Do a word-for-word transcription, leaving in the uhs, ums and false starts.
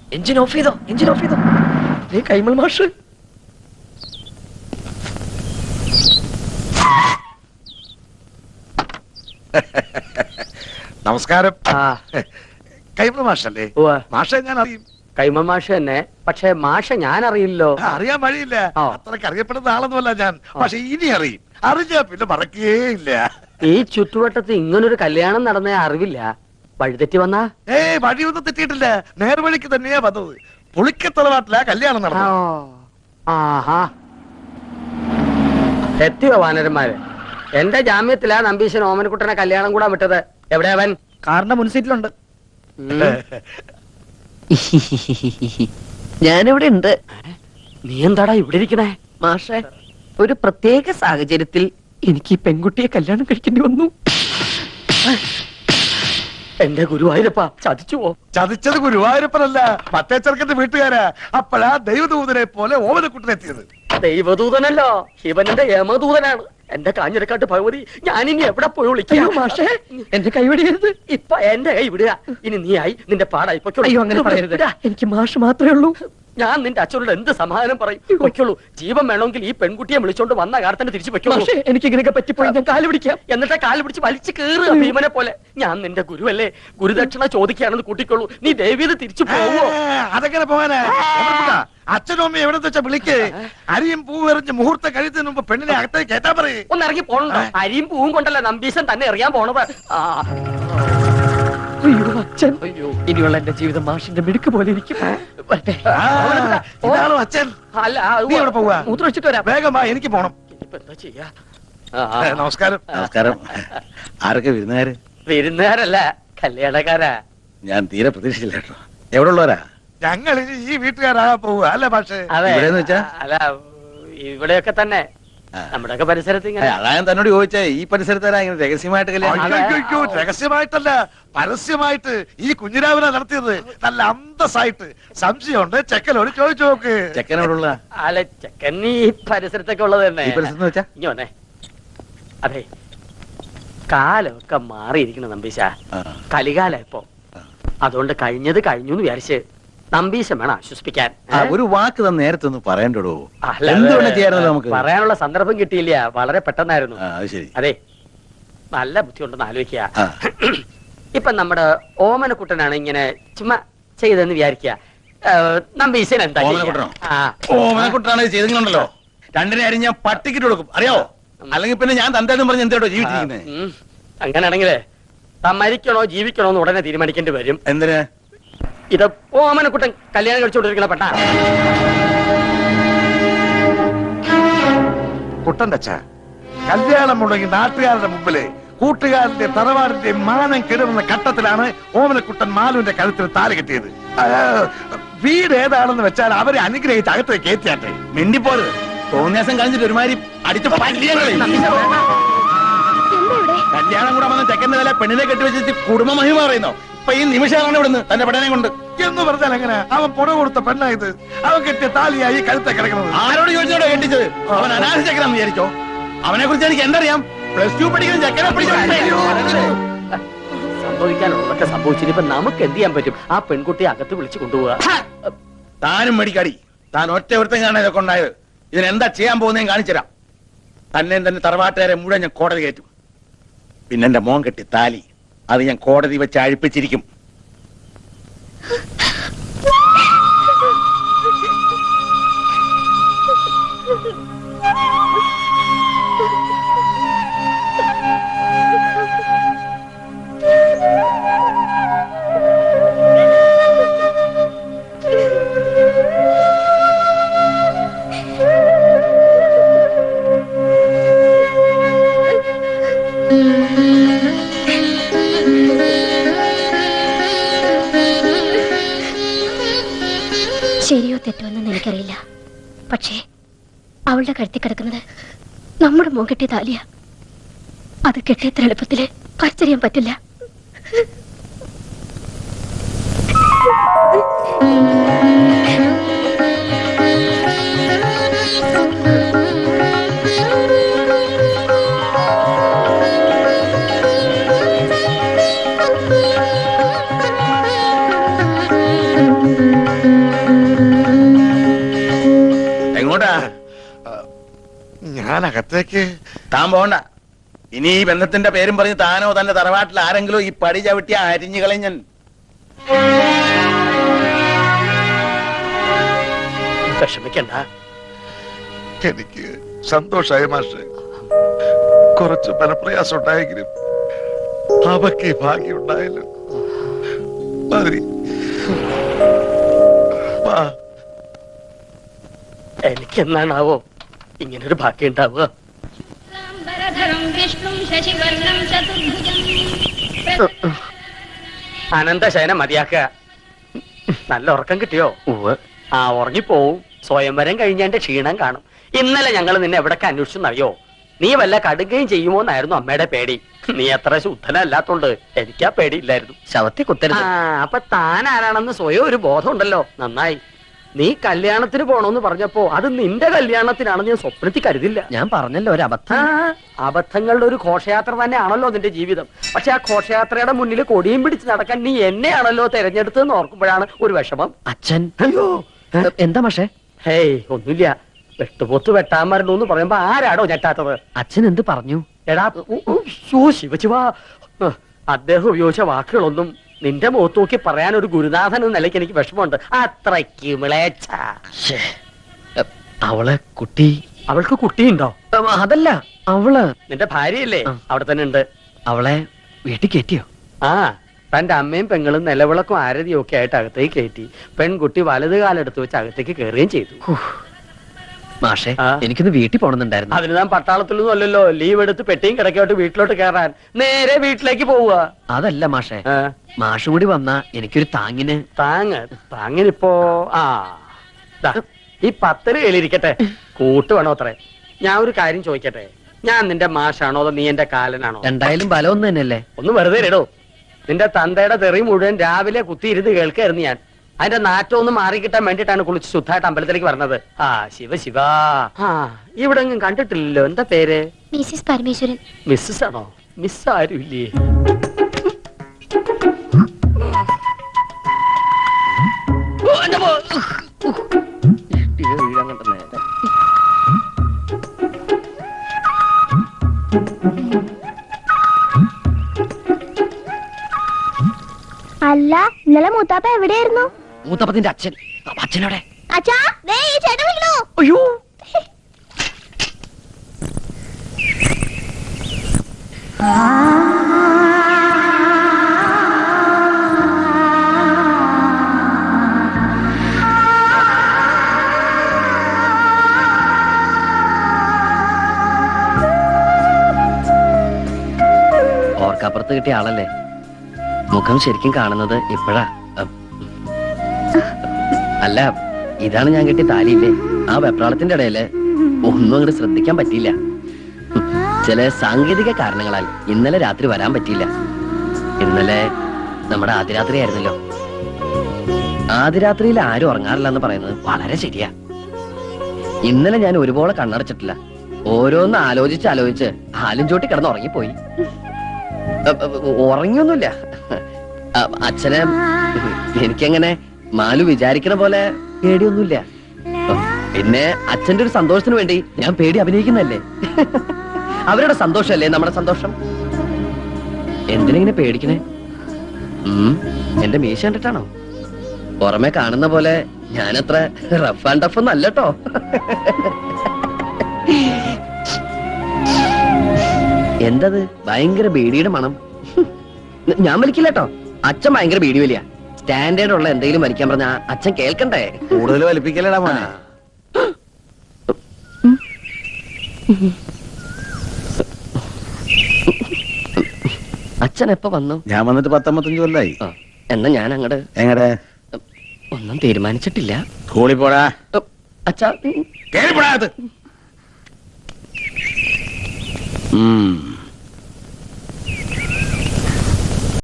Engine off ചെയ്തോ, engine off ചെയ്തോ. നീ കൈമൾ മാഷ്. നമസ്കാരം. ആ കൈമൾ മാഷല്ലേ? മാഷെ ഞാൻ അറിയും. കൈമൾ മാഷ് തന്നെ. പക്ഷെ മാഷ ഞാൻ അറിയില്ലോ. അറിയാൻ വഴിയില്ല, അത്രക്ക് അറിയപ്പെടുന്ന ആളൊന്നുമല്ല ഞാൻ. പക്ഷെ ഇനി അറിയും. അറിഞ്ഞാ പിന്നെ മറക്കുകയില്ല. ഈ ചുറ്റുവട്ടത്ത് ഇങ്ങനൊരു കല്യാണം നടന്ന അറിവില്ല. വഴിതെറ്റി വന്നാ? ഏ വഴിയൊന്നും തെറ്റിയിട്ടില്ല, നേർവഴിക്ക് തന്നെയാ വന്നത്. പുളിക്കത്തറവാട്ടിലാ കല്യാണം നടന്നത്. ആഹാ, എത്തിയോ വാനരന്മാര്? എന്റെ ജാമ്യത്തിലാ നമ്പീശൻ ഓമനക്കുട്ടനെ കല്യാണം കൂടാൻ വിട്ടത്. എവിടെ അവൻ? കാറിന്റെ മുൻസീറ്റിലുണ്ട്. ഞാനിവിടെ ഉണ്ട്. നീ എന്താടാ ഇവിടെ ഇരിക്കണേ? മാഷെ, ഒരു പ്രത്യേക സാഹചര്യത്തിൽ എനിക്ക് ഈ പെൺകുട്ടിയെ കല്യാണം കഴിക്കേണ്ടി വന്നു. എന്റെ ഗുരുവായൂരപ്പ, ചതിച്ചുവോ? ചതിച്ചത് ഗുരുവായൂരപ്പനല്ല, മറ്റേ ചെറുക്കന്റെ വീട്ടുകാരാ. അപ്പോഴാ ദൈവദൂതനെ പോലെ ഓമനക്കുട്ടനെത്തിയത്. ദൈവദൂതനല്ലോ, ശിവനന്റെ യമദൂതനാണ്. എന്റെ കാഞ്ഞിരക്കാട്ട് ഭഗവതി, ഞാനിനി എവിടെ പോയി വിളിക്കാം? മാഷെ, എന്റെ കൈവിടരുത്. ഇപ്പൊ എന്റെ കൈ വിടുക. ഇനി നീ ആയി, നിന്റെ പാടായി. അയ്യോ, അങ്ങനെ പറയരുത്. എനിക്ക് മാഷ് മാത്രമേ ഉള്ളൂ. ഞാൻ നിന്റെ അച്ഛനോട് എന്ത് സമാധാനം പറയും? വയ്ക്കുള്ളൂ. ജീവൻ വേണമെങ്കിൽ ഈ പെൺകുട്ടിയെ വിളിച്ചോണ്ട് വന്ന കാലത്തന്നെ തിരിച്ചു വെക്കുള്ളൂ. എനിക്ക് ഇങ്ങനെയൊക്കെ പറ്റിപ്പോയി ഞാൻ കാല് പിടിക്കാം. എന്നിട്ട് കാല് പിടിച്ച് വലിച്ചു കയറുക ഭീമനെ പോലെ. ഞാൻ നിന്റെ ഗുരുവല്ലേ, ഗുരുദക്ഷിണ ചോദിക്കുകയാണെന്ന് കൂട്ടിക്കൊള്ളൂ. നീ ദേവീത് തിരിച്ചു പോവോ? അതെങ്ങനെ പോകാനാ? അച്ഛനും അമ്മയും എവിടെ വെച്ചാ വിളിക്കേ. അരിയും പൂവെറിഞ്ഞ് മുഹൂർത്തം കഴിയുന്നതിന് മുമ്പ് പെണ്ണിനെ അകത്തേക്ക് കേട്ടാ പറയേ. ഒന്ന് ഇറങ്ങി പോണോ? അരിയും പൂവും കൊണ്ടല്ല നമ്പീശൻ തന്നെ എറിയാൻ പോണത്. ആ അയ്യോ അച്ഛൻ, അയ്യോ, ഇനിയുള്ള എന്റെ ജീവിതം മാഷിന്റെ മിടുക്ക് പോലെ ഇരിക്കും. ഇതാണോ അച്ഛൻ? അല്ല, നീ എവിടെ പോവാ? മൂത്രം വെച്ചിട്ട് വരാം. വേഗം വാ, എനിക്ക് പോണം. ഇനിയിപ്പോ എന്താ ചെയ്യാ? നമസ്കാരം. നമസ്കാരം. ആരൊക്കെ വിരുന്നുകാര്? വിരുന്നുകാരല്ല, കല്യാണക്കാരാ. ഞാൻ തീരെ പ്രതീക്ഷിച്ചില്ല കേട്ടോ. എവിടെ ഉള്ളവരാ? ഞങ്ങൾ ഇനി ഈ വീട്ടുകാരാകാൻ പോവുക അല്ലേ പക്ഷേ? അതെ, ഇവിടെന്ന് വെച്ചാ? അല്ല, ഇവിടെയൊക്കെ തന്നെ നമ്മുടെയൊക്കെ പരിസരത്ത് ഇങ്ങനെ. അതാ ഞാൻ തന്നോട് ചോദിച്ചേ, ഈ പരിസരത്താരാ ഇങ്ങനെ രഹസ്യമായിട്ട് കല്യാണം? അയ്യോ, രഹസ്യമായിട്ടല്ല, പരസ്യമായിട്ട് ഈ കുഞ്ഞിരാവിനെ നടത്തിയത്. നല്ല അന്തസ്സായിട്ട്. സംശയമുണ്ട്, ചെക്കനോട് ചോദിച്ചു നോക്ക്. ചെക്കൻ എവിടെ ഉള്ള? അല്ല, ചെക്കൻ ഈ പരിസരത്തൊക്കെ ഉള്ളത് തന്നെ. ഈ പരിസരത്ത് വെച്ചാ? ഇനി വന്നേ. അതെ, കാലമൊക്കെ മാറിയിരിക്കണം നമ്പീശ. കലികാല ഇപ്പൊ. അതുകൊണ്ട് കഴിഞ്ഞത് കഴിഞ്ഞു എന്ന് വിചാരിച്ച് നമ്പീശം വേണം ആശ്വസിപ്പിക്കാൻ. ഒരു വാക്ക് തന്നെ നേരത്തെ ഒന്ന് പറയണ്ടോ? അല്ല, എന്തുകൊണ്ട് ചെയ്യാറുണ്ടല്ലോ നമുക്ക്? പറയാനുള്ള സന്ദർഭം കിട്ടിയില്ല, വളരെ പെട്ടെന്നായിരുന്നു. ശരി. അതെ, നല്ല ബുദ്ധിയുണ്ടെന്ന് ആലോചിക്കുക. ഇപ്പൊ നമ്മുടെ ഓമനക്കുട്ടനാണ് ഇങ്ങനെ ചുമ്മാ ചെയ്തെന്ന് വിചാരിക്കുക. നമ്പീശൻ എന്താ? ഓമനക്കുട്ടനാണ് ചെയ്തിട്ടുണ്ടല്ലോ, രണ്ടിനെ അരി ഞാൻ പട്ടിക്കിട്ട് കൊടുക്കും, അറിയാവോ? അല്ലെങ്കിൽ പിന്നെ ഞാൻ തന്തേന്നും പറഞ്ഞ് എന്തോ ജീവിച്ചിരിക്കുന്നത്. അങ്ങനെയാണെങ്കിലേ താൻ മരിക്കണോ ജീവിക്കണോ എന്ന് ഉടനെ തീരുമാനിക്കേണ്ടി വരും. എന്തിനാ? ഇത് ഓമനക്കുട്ടൻ കല്യാണം കഴിച്ചുകൊണ്ടിരിക്കണ പെട്ടാ. കുട്ടന്റെ അച്ഛ, കല്യാണം മുടങ്ങി നാട്ടുകാരുടെ മുമ്പില് കൂട്ടുകാരന്റെ തറവാടിന്റെ മാനം കെടുന്ന ഘട്ടത്തിലാണ് ഓമനക്കുട്ടൻ മാലുവിന്റെ കഴുത്തിൽ താലി കെട്ടിയത്. വീട് ഏതാണെന്ന് വെച്ചാൽ അവരെ അനുഗ്രഹിച്ച് അകത്തേക്ക് കയറ്റിയാട്ടെ. മിണ്ടിപ്പോരുത്. തോന്നിയാസം കഴിഞ്ഞിട്ട് ഒരുമാതിരി അടിച്ചു കല്യാണം കൂടെ വന്ന ചെക്കന്റെ വില പെണ്ണിനെ കെട്ടിവെച്ചിട്ട് കുടുംബ മഹിമ പറയുന്നോ? ഇപ്പൊ ഈ നിമിഷമാണ് ഇവിടുന്ന് തന്റെ പെണ്ണനെ കൊണ്ട് എന്ന് പറഞ്ഞാൽ എങ്ങനെ? അവൻ പുറ കൊടുത്ത പെണ്ണായത്. അവൻ കെട്ടിയ താലിയായി കഴുത്തെ കിടക്കുന്നത്. ആരോട് ചോദിച്ചോടോ കെട്ടിച്ചത്? അവൻ അനാഥ ചെക്കനാന്ന് വിചാരിച്ചോ? അവനെ കുറിച്ച് എനിക്ക് എന്തറിയാം? പ്ലസ് ടു പഠിക്കുന്ന ചെക്കനെ സംഭവിക്കാനുള്ളതൊക്കെ സംഭവിച്ചിട്ട് ഇപ്പൊ നമുക്ക് എന്ത് ചെയ്യാൻ പറ്റും? ആ പെൺകുട്ടിയെ അകത്ത് വിളിച്ചു കൊണ്ടുപോവാ. താനും മേടിക്കാടി. താൻ ഒറ്റ ഒരുത്തം കാണാൻ ഇതൊക്കെ ഉണ്ടായത്. ഇതിനെന്താ ചെയ്യാൻ പോകുന്നതെന്ന് കാണിച്ചുതരാം. തന്നെ തന്നെ തറവാട്ടുകാരെ മുഴുവൻ ഞാൻ കോടതി കയറ്റും. പിന്നെ എന്റെ മോൻ കെട്ടി താലി അത് ഞാൻ കോടതി വെച്ച് അഴിപ്പിച്ചിരിക്കും. ശരിയോ തെറ്റോ എന്ന് എനിക്കറിയില്ല. പക്ഷേ അവളുടെ കഴുത്തി കിടക്കുന്നത് നമ്മുടെ മോൻ കെട്ടിയ താലിയ. അത് കെട്ടിയത്ര എളുപ്പത്തില് പറിച്ചറിയാൻ പറ്റില്ല. എങ്ങോട്ടാ? ഞാൻ അകത്തേക്ക്. താൻ പോണ്ട. ഇനി ഈ ബന്ധത്തിന്റെ പേരും പറഞ്ഞ് താനോ തന്റെ തറവാട്ടിൽ ആരെങ്കിലും ഈ പടി ചവിട്ടി അരിഞ്ഞു കളഞ്ഞൻ. വിഷമിക്കണ്ട. എനിക്ക് സന്തോഷായി മാഷെ. കുറച്ച് മനപ്രയാസം ഉണ്ടായെങ്കിലും അവക്ക് ഭാഗ്യം ഉണ്ടായല്ലോ. മതി. വാ. എനിക്കെന്നാണാവോ ഇങ്ങനൊരു ഭാഗ്യം ഉണ്ടാവുക? ശുക്ലാംബരധരം വിഷ്ണും ശശിവർണം ചതുർഭുജം. അനന്തശയന മതിയാക്കുക. നല്ല ഉറക്കം കിട്ടിയോ? ആ ഉറങ്ങിപ്പോവും. സ്വയംവരം കഴിഞ്ഞതിന്റെ ക്ഷീണം കാണും. ഇന്നലെ ഞങ്ങൾ നിന്നെ എവിടൊക്കെ അന്വേഷിച്ചെന്നറിയോ? നീ വല്ല കടുകയും ചെയ്യുമോ എന്നായിരുന്നു അമ്മയുടെ പേടി. നീ അത്ര ശുദ്ധനല്ലാത്തോണ്ട് എനിക്കാ പേടിയില്ലായിരുന്നു. ശവത്തെ കുത്തരുത്. ആ അപ്പൊ താൻ ആരാണെന്ന് സ്വയം ഒരു ബോധം ഉണ്ടല്ലോ. നന്നായി. നീ കല്യാണത്തിന് പോണോന്ന് പറഞ്ഞപ്പോ അത് നിന്റെ കല്യാണത്തിനാണെന്ന് ഞാൻ സ്വപ്നത്തിൽ കരുതില്ല. ഞാൻ പറഞ്ഞല്ലോ ഒരു ആ, അബദ്ധം. അബദ്ധങ്ങളുടെ ഒരു ഘോഷയാത്ര തന്നെയാണല്ലോ നിന്റെ ജീവിതം. പക്ഷെ ആ ഘോഷയാത്രയുടെ മുന്നിൽ കൊടിയും പിടിച്ച് നടക്കാൻ നീ എന്നെയാണല്ലോ തെരഞ്ഞെടുത്തതെന്ന് ഓർക്കുമ്പോഴാണ് ഒരു വിഷമം. അച്ഛൻ അയ്യോ എന്താ മാഷേ? ഹേയ് ഒന്നുമില്ല. വെട്ടുപോത്ത് വെട്ടാൻ മരണു എന്ന് പറയുമ്പോ ആരാടോ ഞെട്ടാത്തത്? അച്ഛൻ എന്ത് പറഞ്ഞു? എടാ ഉ, ഉ, ശോ, ശിവശിവാ. ഹ്, അദ്ദേഹം ഉപയോഗിച്ച വാക്കുകളൊന്നും നിന്റെ മുഖത്ത് നോക്കി പറയാൻ ഒരു ഗുരുനാഥൻ എന്ന നിലയ്ക്ക് എനിക്ക് വിഷമമുണ്ട്. അത്രയ്ക്ക് മിളേച്ച. ശ്ശേ. എ, അവളെ കുട്ടി. അവൾക്ക് കുട്ടിയുണ്ടോ? എ, അതല്ല അവള് നിന്റെ ഭാര്യയല്ലേ? ആ. അവിടെ തന്നെ ഉണ്ട്. അവളെ വീട്ടിൽ കയറ്റിയോ? ആ തന്റെ അമ്മയും പെങ്ങളും നിലവിളക്കും ആരതിയും ഒക്കെ ആയിട്ട് അകത്തേക്ക് കയറ്റി. പെൺകുട്ടി വലത് കാലെടുത്ത് വെച്ച് അകത്തേക്ക് കയറുകയും ചെയ്തു. മാഷേ ആ. എനിക്കൊന്ന് വീട്ടിൽ പോണെന്നുണ്ടായിരുന്നു. അതിന് ഞാൻ പട്ടാളത്തിലൊന്നും അല്ലല്ലോ. ലീവ് എടുത്ത് പെട്ടിയും കിടക്കോട്ട് വീട്ടിലോട്ട് കയറാൻ നേരെ വീട്ടിലേക്ക് പോവുക. അതല്ല മാഷേ, ആ, മാഷും കൂടി വന്നാ എനിക്കൊരു താങ്ങിന്. താങ്ങ് താങ്ങിനിപ്പോ ആ ദാ, ഈ പത്തല് കയ്യിലിരിക്കട്ടെ. കൂട്ട് വേണോ അത്രേ. ഞാൻ ഒരു കാര്യം ചോദിക്കട്ടെ. ഞാൻ നിന്റെ മാഷാണോ അതോ നീ എന്റെ കാലനാണോ? രണ്ടായാലും ബലം ഒന്ന് തന്നെയല്ലേ? ഒന്ന് വെറുതെ ഇടോ. നിന്റെ തന്തയുടെ തെറി മുഴുവൻ രാവിലെ കുത്തിയിരുന്ന് കേൾക്കായിരുന്നു ഞാൻ. അതിന്റെ നാറ്റം ഒന്ന് മാറിക്കിട്ടാൻ വേണ്ടിട്ടാണ് കുളിച്ച് ശുദ്ധമായിട്ട് അമ്പലത്തിലേക്ക് പറഞ്ഞത്. ആ ശിവ ശിവ. ആ ഇവിടെ എങ്ങും കണ്ടിട്ടില്ലല്ലോ. എന്താ പേര്? മിസ്സിസ് പരമേശ്വരൻ. മിസ്സസ് ആണോ? മിസ് ആരും ഇല്ലേ? അല്ല ഇന്നലെ മൂത്താപ്പ എവിടെയായിരുന്നു? മൂത്തപ്പത്തിന്റെ അച്ഛൻ. അച്ഛനോടെ അച്ഛാ ദേ ഈ ചേട്ടൻ വിളിക്കണോ? അയ്യോ ഓർക്കപ്പുറത്ത് കിട്ടിയ ആളല്ലേ? മുഖം ശരിക്കും കാണുന്നത് ഇപ്പോഴാ. അം. അല്ല ഇതാണ് ഞാൻ കെട്ടിയ താലിയില്ലേ? ആ വെപ്രാളത്തിന്റെ ഇടയില് ഒന്നും അങ്ങോട്ട് ശ്രദ്ധിക്കാൻ പറ്റിയില്ല. ഹും. ചില സാങ്കേതിക കാരണങ്ങളാൽ ഇന്നലെ രാത്രി വരാൻ പറ്റിയില്ല. ഇന്നലെ നമ്മുടെ ആദ്യരാത്രി ആയിരുന്നല്ലോ. ആദ്യരാത്രിയിൽ ആരും ഉറങ്ങാറില്ല എന്ന് പറയുന്നത് വളരെ ശരിയാ. ഇന്നലെ ഞാൻ ഒരുപോലെ കണ്ണടച്ചിട്ടില്ല. ഓരോന്ന് ആലോചിച്ച് ആലോചിച്ച് ആലും ചോട്ടി കിടന്ന് ഉറങ്ങിപ്പോയി. അ- അ- ഉറങ്ങിയൊന്നുമില്ല. അ- അച്ഛനെ എനിക്കങ്ങനെ മാലു വിചാരിക്കണ പോലെ പേടിയൊന്നുമില്ല. പിന്നെ അച്ഛന്റെ ഒരു സന്തോഷത്തിന് വേണ്ടി ഞാൻ പേടി അഭിനയിക്കുന്നല്ലേ. അവരുടെ സന്തോഷല്ലേ നമ്മുടെ സന്തോഷം. എന്തിനെങ്ങനെ പേടിക്കണേ? ഉം എന്റെ മീശ കണ്ടിട്ടാണോ? പുറമെ കാണുന്ന പോലെ ഞാനത്ര റഫ് ആൻഡ് ടഫ് ഒന്നും അല്ലട്ടോ. എന്തത് ഭയങ്കര ബീഡിയുടെ മണം? ഞാൻ വലിക്കില്ല കേട്ടോ. അച്ഛൻ ഭയങ്കര ബീഡി വലിയ. സ്റ്റാൻഡേർഡ് ഉള്ള എന്തെങ്കിലും വലിക്കാൻ പറഞ്ഞ അച്ഛൻ കേൾക്കണ്ടേ? കൂടുതൽ വലിപ്പിക്കലടാ മോനെ. അച്ഛൻ എപ്പോ വന്നു? ഞാൻ വന്നിട്ട് പത്തൊമ്പത്തഞ്ചു കൊല്ലായി. ആ, എന്നാ ഞാൻ അങ്ങട് എങ്ങടെ ഒന്നും തീരുമാനിച്ചിട്ടില്ല. സ്കൂളിൽ പോടാ. അച്ഛാ കേറിപ്പോടാ. ഉം